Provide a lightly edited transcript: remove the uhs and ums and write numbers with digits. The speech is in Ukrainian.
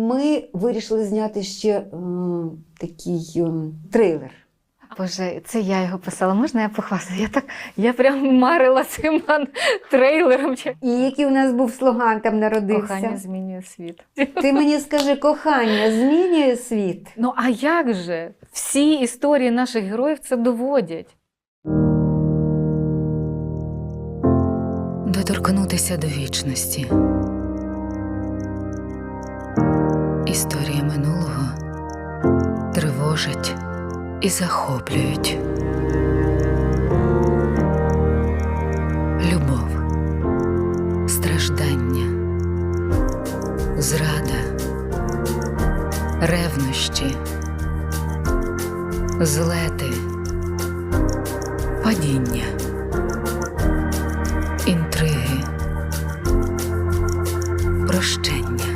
ми вирішили зняти ще такий трейлер. Боже, це я його писала. Можна я похвастаю? Я прям марила цим трейлером. І який у нас був слоган там народився? Кохання змінює світ. Ти мені скажи, кохання змінює світ? Ну а як же? Всі історії наших героїв це доводять. Доторкнутися до вічності. Історії минулого тривожать і захоплюють. Любов, страждання, зрада, ревнощі, злети, падіння, інтриги, прощення.